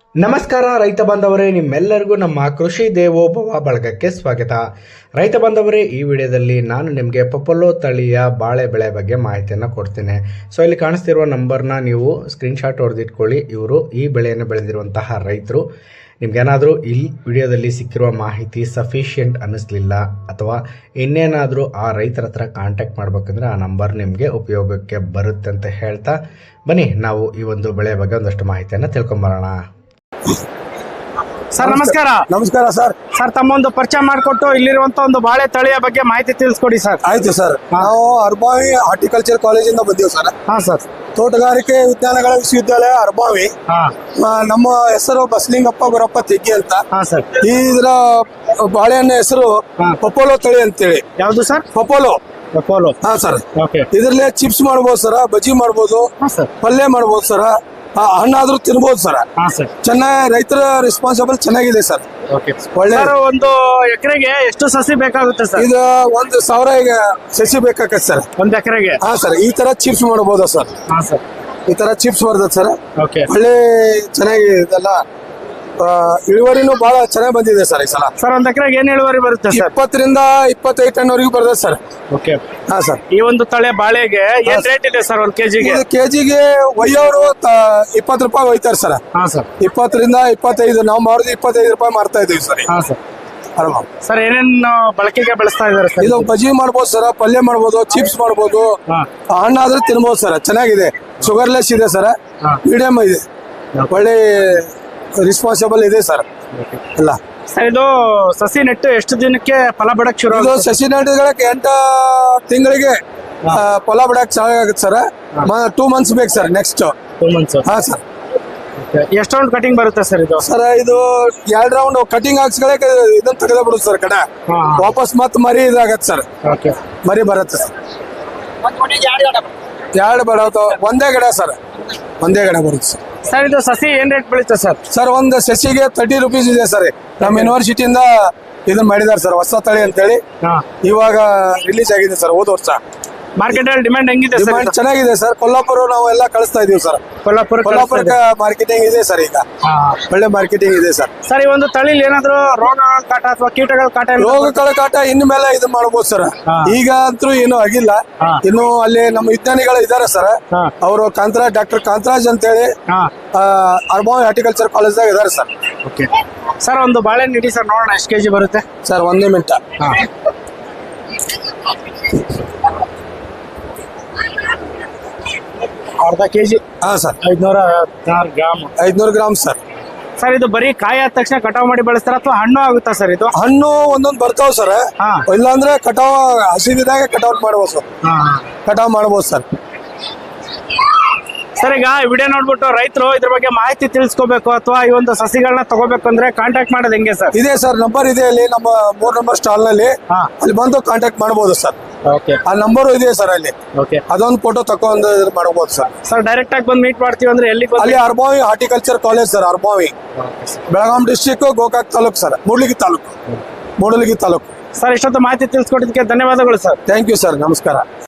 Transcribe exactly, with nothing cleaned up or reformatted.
ನಮಸ್ಕಾರ ರೈತ ಬಾಂಧವರೇ, ನಿಮ್ಮೆಲ್ಲರಿಗೂ ನಮ್ಮ ಕೃಷಿ ದೇವೋಭವ ಬಳಗಕ್ಕೆ ಸ್ವಾಗತ. ರೈತ ಬಾಂಧವರೇ, ಈ ವಿಡಿಯೋದಲ್ಲಿ ನಾನು ನಿಮಗೆ ಪೊಪೊಲೋ ತಳಿಯ ಬಾಳೆ ಬೆಳೆ ಬಗ್ಗೆ ಮಾಹಿತಿಯನ್ನು ಕೊಡ್ತೇನೆ. ಸೊ ಇಲ್ಲಿ ಕಾಣಿಸ್ತಿರುವ ನಂಬರ್ನ ನೀವು ಸ್ಕ್ರೀನ್ಶಾಟ್ ಹೊಡೆದಿಟ್ಕೊಳ್ಳಿ. ಇವರು ಈ ಬೆಳೆಯನ್ನು ಬೆಳೆದಿರುವಂತಹ ರೈತರು. ನಿಮ್ಗೇನಾದರೂ ಈ ವಿಡಿಯೋದಲ್ಲಿ ಸಿಕ್ಕಿರುವ ಮಾಹಿತಿ ಸಫಿಷಿಯೆಂಟ್ ಅನ್ನಿಸ್ಲಿಲ್ಲ ಅಥವಾ ಇನ್ನೇನಾದರೂ ಆ ರೈತರ ಹತ್ರ ಕಾಂಟ್ಯಾಕ್ಟ್ ಮಾಡ್ಬೇಕಂದ್ರೆ ಆ ನಂಬರ್ ನಿಮಗೆ ಉಪಯೋಗಕ್ಕೆ ಬರುತ್ತೆ ಅಂತ ಹೇಳ್ತಾ ಬನ್ನಿ ನಾವು ಈ ಒಂದು ಬೆಳೆ ಬಗ್ಗೆ ಒಂದಷ್ಟು ಮಾಹಿತಿಯನ್ನು ತಿಳ್ಕೊಂಬರೋಣ. ಸರ್ ನಮಸ್ಕಾರ. ನಮಸ್ಕಾರ ಸರ್. ಸರ್ ತಮ್ಮೊಂದು ಪರಿಚಯ ಮಾಡಿಕೊಟ್ಟು ಇಲ್ಲಿರುವಂತ ಒಂದು ಬಾಳೆ ತಳಿಯ ಬಗ್ಗೆ ಮಾಹಿತಿ ತಿಳಿಸ್ಕೊಡಿ ಸರ್. ಆಯ್ತು ಸರ್. ನಾವು ಅರ್ಬಾವಿ ಹಾರ್ಟಿಕಲ್ಚರ್ ಕಾಲೇಜಿಂದ ಬಂದೀವಿ ಸರ್. ಹಾ ಸರ್. ತೋಟಗಾರಿಕೆ ವಿಜ್ಞಾನಗಳ ವಿಶ್ವವಿದ್ಯಾಲಯ ಅರ್ಬಾವಿ. ನಮ್ಮ ಹೆಸರು ಬಸಲಿಂಗಪ್ಪ ಗುರಪ್ಪ ತೆಗ್ಗಿ ಅಂತ. ಹಾ ಸರ್. ಈ ಇದರ ಬಾಳೆಹಣ್ಣ ಹೆಸರು ಪೊಪೊಲೋ ತಳಿ ಅಂತೇಳಿ. ಯಾವ್ದು ಸರ್? ಪೊಪೊಲೋ. ಪೊಪೊಲೋ. ಹಾ ಸರ್. ಓಕೆ. ಇದ್ರಲ್ಲೇ ಚಿಪ್ಸ್ ಮಾಡ್ಬೋದು ಸರ್, ಬಜ್ಜಿ ಮಾಡ್ಬೋದು, ಪಲ್ಯ ಮಾಡ್ಬೋದು ಸರ್, ಹಣ್ಣಾದ್ರೂ ತಿನ್ಬೋದು ಸರ್. ಹಾ ಸರ್. ಚೆನ್ನಾಗಿ ರೈತರ ರೆಸ್ಪಾನ್ಸಿಬಲ್ ಚೆನ್ನಾಗಿದೆ ಸರ್. ಒಳ್ಳೆ. ಒಂದು ಎಕರೆಗೆ ಎಷ್ಟು ಸಸಿ ಬೇಕಾಗುತ್ತೆ ಸರ್? ಇದು ಒಂದು ಸಾವಿರ ಈಗ ಸಸಿ ಬೇಕಾಗತ್ತೆ ಸರ್ ಒಂದ್ ಎಕರೆಗೆ. ಹಾ ಸರ್. ಈ ತರ ಚಿಪ್ಸ್ ಮಾಡಬಹುದು ಸರ್. ಹಾ ಸರ್. ಈ ತರ ಚಿಪ್ಸ್ ಬರ್ತದೆ ಸರ್. ಓಕೆ. ಒಳ್ಳೆ ಚೆನ್ನಾಗಿ ಇದೆಲ್ಲ ಇಳುವರಿನೂ ಬಹಳ ಚೆನ್ನಾಗಿ ಬಂದಿದೆ ಸರ್ ಈ ಸಲ. ಸರ್ ಒಂದ್ ಎಕರೆಗೆ ಏನ್ ಇಳುವರಿ ಬರುತ್ತೆ ಸರ್? ಇಪ್ಪತ್ತರಿಂದ ಇಪ್ಪತ್ತೈದು ಟನ್ ವರೆಗೂ ಬರ್ತದೆ ಸರ್. ಓಕೆ. ಹಾ ಸರ್. ಈ ಒಂದು ತಳೆ ಬಾಳೆಗೆ ಏನ್ ರೇಟ್ ಇದೆ ಸರ್ ಒಂದ್ ಕೆಜಿಗೆ? ಕೆಜಿಗೆ ಒಯ್ಯೋರು ಇಪ್ಪತ್ತು ರೂಪಾಯಿ ಒಯ್ತಾರೆ ಸರ್. ಹಾ ಸರ್. ಇಪ್ಪತ್ತರಿಂದ ಇಪ್ಪತ್ತೈದು ನಾವು ಮಾರುದು ಇಪ್ಪತ್ತೈದು ರೂಪಾಯಿ ಮಾರ್ತಾ ಇದೀವಿ ಸರ್. ಹಾ ಸರ್. ಸರ್ ಏನೇನ್ ಬಳಕೆಗೆ ಬಳಸ್ತಾ ಇದಾರೆ ಸರ್? ಇದು ಬಜ್ಜಿ ಮಾಡ್ಬೋದು ಸರ್, ಪಲ್ಯ ಮಾಡ್ಬೋದು, ಚಿಪ್ಸ್ ಮಾಡ್ಬೋದು, ಹಣ್ಣಾದ್ರೆ ತಿನ್ಬೋದು ಸರ್. ಚೆನ್ನಾಗಿದೆ, ಶುಗರ್ಲೆಸ್ ಇದೆ ಸರ್, ಮೀಡಿಯಂ ಇದೆ, ಒಳ್ಳೆ ರೆಸ್ಪಾನ್ಸಿಬಲ್ ಇದೆ ಸರ್ ಎಲ್ಲ. ಸರ್ ಇದು ಸಸಿ ನೆಟ್ಟು ಎಷ್ಟು ದಿನಕ್ಕೆ ಫಲ ಬಿಡಕ್ ಶುರು? ಇದು ಸಸಿ ನೆಟ್ಟಿಗಳಕ್ಕೆ ಎಂಟು ತಿಂಗಳಿಗೆ ಫಲ ಬಿಡಕ್ ಚೆನ್ನಾಗುತ್ತೆ ಸರ್. ಟೂ ಮಂತ್ಸ್ ಬೇಕು ಸರ್. Next two months. ಹಾ ಸರ್. ಎಷ್ಟು ರೌಂಡ್ ಕಟಿಂಗ್ ಬರುತ್ತೆ ಸರ್ ಇದು? ಸರ್ ಇದು ಎರಡು ರೌಂಡ್ ಕಟಿಂಗ್ ಹಾಕ್ಸ್ಗಳಕ್ಕೆ ಇದನ್ನ ತೆಗೆದ ಬಿಡುದು ಸರ್. ಕಡೆ ವಾಪಸ್ ಮತ್ ಮರಿ ಇದಾಗತ್ತೆ ಸರ್. ಮರಿ ಬರುತ್ತೆ ಸರ್. ಎರಡು ಬಡವ ಒಂದೇ ಗಿಡ ಸರ್, ಒಂದೇ ಗಿಡ ಬರುತ್ತೆ ಸರ್. ಸರ್ ಇದು ಸಸಿ ಏನ್ ರೇಟ್ ಬೀಳುತ್ತೆ ಸರ್? ಸರ್ ಒಂದು ಸಸಿಗೆ ತರ್ಟಿ ರುಪೀಸ್ ಇದೆ ಸರ್. ನಮ್ಮ ಯೂನಿವರ್ಸಿಟಿಯಿಂದ ಇದನ್ನ ಮಾಡಿದಾರೆ ಸರ್, ಹೊಸ ತಳಿ ಅಂತೇಳಿ. ಇವಾಗ ರಿಲೀಸ್ ಆಗಿದೆ ಸರ್ ಹೋದ ವರ್ಷ. ಮಾರ್ಕೆಟ್ ಅಲ್ಲಿ ಡಿಮ್ಯಾಂಡ್ ಹೆಂಗಿದೆ ಸರ್? ಡಿಮ್ಯಾಂಡ್ ಚೆನ್ನಾಗಿದೆ ಸರ್. ಕೊಲ್ಲಾಪುರ ನಾವು ಎಲ್ಲ ಕಳಿಸ್ತಾ ಇದೀವಿ ಸರ್. ಕೊಲ್ಲಾಪುರ ಕೊಲ್ಲಾಪುರಕ್ಕೆ ಮಾರ್ಕೆಟಿಂಗ್ ಇದೆ ಸರ್. ಈಗ ಒಳ್ಳೆ ಮಾರ್ಕೆಟಿಂಗ್ ಇದೆ ಸರ್. ಸರ್ ಈ ಒಂದು ತಳಿಲಿ ಏನಾದ್ರು ರೋಗ ಕಾಟ ಅಥವಾ ಕೀಟಗಳ ಕಾಟ? ರೋಗಗಳ ಕಾಟ ಇನ್ನು ಮೇಲೆ ಇದು ಮಾಡಬಹುದು ಸರ್. ಈಗ ಅಂತೂ ಏನು ಆಗಿಲ್ಲ. ಇನ್ನು ಅಲ್ಲಿ ನಮ್ಮ ವಿಜ್ಞಾನಿಗಳು ಇದಾರೆ ಸರ್. ಅವರು ಕಾಂತರಾಜ್, ಡಾಕ್ಟರ್ ಕಾಂತರಾಜ್ ಅಂತೇಳಿ ಅರ್ಬಾವಿ ಹಾರ್ಟಿಕಲ್ಚರ್ ಕಾಲೇಜ್ದಾಗ ಇದಾರೆ ಸರ್. Okay sir. ಒಂದು ಬಾಳೆಹಣ್ಣು ಇಡಿ ಸರ್, ನೋಡೋಣ ಎಷ್ಟು ಕೆಜಿ ಬರುತ್ತೆ ಸರ್. ಒಂದೇ ಮಿನಿಟ್. ಅರ್ಧ ಕೆಜಿ. ಹಾ ಸರ್. ಐದ್ನೂರ ಗ್ರಾಮ್. ಐದ್ನೂರು ಗ್ರಾಮ್ ಸರ್. ಸರ್ ಇದು ಬರೀ ಕಾಯಿ ಆದ ತಕ್ಷಣ ಕಟಾವ್ ಮಾಡಿ ಬೆಳೆಸ್ತಾರ ಅಥವಾ ಹಣ್ಣು ಆಗುತ್ತಾ ಸರ್ ಇದು? ಹಣ್ಣು ಒಂದೊಂದು ಬರ್ತಾವ ಸರ್. ಇಲ್ಲಾಂದ್ರೆ ಕಟಾವ್ ಹಸಿದಿದಾಗ ಕಟಾವ್ ಮಾಡ್ಬೋದು ಸರ್. ಕಟಾವ್ ಮಾಡ್ಬೋದು ಸರ್. ಸರ್ ಈಗ ವಿಡಿಯೋ ನೋಡ್ಬಿಟ್ಟು ರೈತರು ಇದ್ರ ಬಗ್ಗೆ ಮಾಹಿತಿ ತಿಳಿಸ್ಕೋಬೇಕು ಅಥವಾ ಈ ಒಂದು ಸಸಿಗಳನ್ನ ತಗೋಬೇಕು ಅಂದ್ರೆ ಕಾಂಟ್ಯಾಕ್ಟ್ ಮಾಡೋದು ಹೆಂಗೆ ಸರ್? ಇದೆ ಸರ್, ನಂಬರ್ ಇದೆ ಅಲ್ಲಿ ನಮ್ಮ ಮೂರ್ ನಂಬರ್ ಸ್ಟಾಲ್ ನಲ್ಲಿ. ಅಲ್ಲಿ ಬಂದು ಕಾಂಟ್ಯಾಕ್ಟ್ ಮಾಡಬಹುದು ಸರ್. ಆ ನಂಬರ್ ಇದೆ ಸರ್ ಅಲ್ಲಿ. ಅದೊಂದು ಫೋಟೋ ತಗೊಂಡು ಮಾಡಬಹುದು ಸರ್. ಸರ್ ಡೈರೆಕ್ಟ್ ಆಗಿ ಬಂದು ಮೀಟ್ ಮಾಡ್ತೀವಿ ಅಂದ್ರೆ ಎಲ್ಲಿ? ಅಲ್ಲಿ Arbhavi horticulture college sir, Arbhavi, Belgaum district, Gokak taluk sir, Mudalgi taluk, Mudalgi taluk. Sir ಇಷ್ಟೊತ್ತು ಮಾಹಿತಿ ತಿಳಿಸ್ಕೊಟ್ಟಿದ್ದಕ್ಕೆ ಧನ್ಯವಾದಗಳು ಸರ್. Thank you sir. ನಮಸ್ಕಾರ.